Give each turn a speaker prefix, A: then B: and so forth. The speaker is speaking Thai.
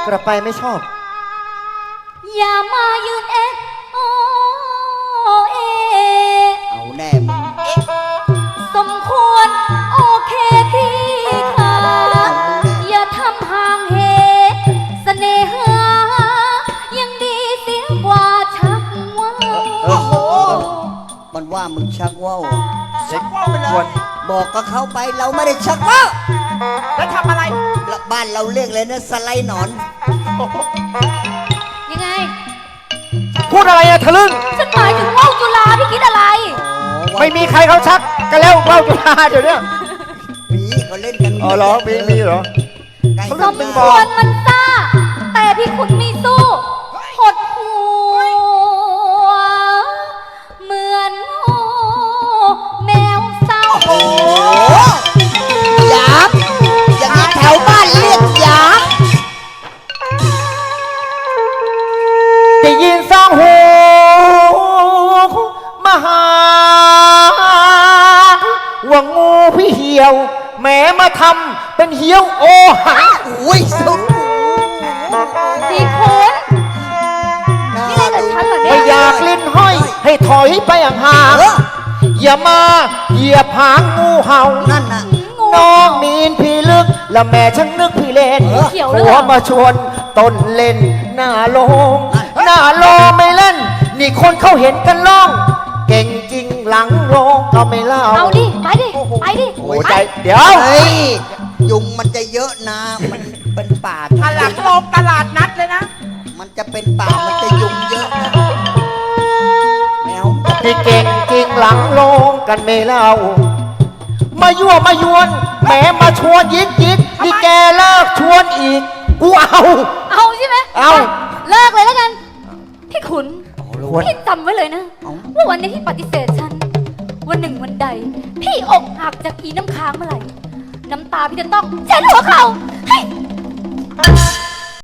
A: กลับไปไม่ชอบ
B: อย่ามายืนโอเอ
C: เอาแน่มึง
B: สมควรโอเคพี่ค่ะอย่าทำห่างเหเสน่หายังดีเสียกว่าชักว่าว
C: โอ้โหมันว่ามึงชักว่าว
A: ชักว่าวไปเลย
C: บอกกับเขาไปเราไม่ได้ชักว่าว
A: แล้วทำอะไร
C: บ้านเราเรียกเลยนะสไลด์หนอน
B: ยังไง
A: พูดอะไรอะทะลึ่ง
B: ฉันหมายถึงว่าวจุฬาพี่คิดอะไร
A: ไม่มีใครเขาชักกันแล้วว่าวจุฬาเดี๋ยวนี้
C: มีเขาเล่นกัน
A: อ๋อเหรอมีเหรอ
B: สมควรมันซ่าแต่พี่คุณไม่สู้หดหัวเหมือนแมวเศร้า
C: โอ้ยามอย่างนี้แถวบ้านเรียกยาม
A: ได้ยินสองหูมาหาว่างูพี่เหี่ยวแม้มาทำเป็นเหี่ยวโอหัง
C: อุ้ยสุด
B: พี่คุณนี่อะไรกับฉันเหรอเนี่ย
A: ไม่อยากลิ้นห้อยให้ถอยไปห่างอย่ามาเหยียบหางงูเห่า
C: นั่นน่ะ
A: น้องมีนพี่ลึกและแม่ช่างนึกพี่เล่นหัวมาชวนต้นเล่นหน้าโลงไม่เล่นนี่คนเขาเห็นกันล่องเก่งจริงหลังโลงก็ไม่เล่า
B: เอาดิไปดิ
A: โอ้ยใจเดี๋ยว
C: เฮ้ยยุงมันจะเยอะนะมันเป็นป่า
A: ตลาดโลงตลาดนัดเลยนะ
C: มันจะเป็นป่ามันจะยุงเยอะนะแมว
A: ที่เก่งจริงหลังโลงกันไม่เล่ามายั่วมายวนแหมมาชวนยิกนี่แกเลิกชวนอีกกู
B: เอาใช่ไหม
A: เอา
B: เลิกเลยแล้วกันพี่ขุนพี่จำไว้เลยนะว่าวันนี้พี่ปฏิเสธฉันวันหนึ่งวันใดพี่อกหักจากอีน้ำค้างเมื่อไหร่น้ำตาพี่จะต้องเช็ดหัวเขาให้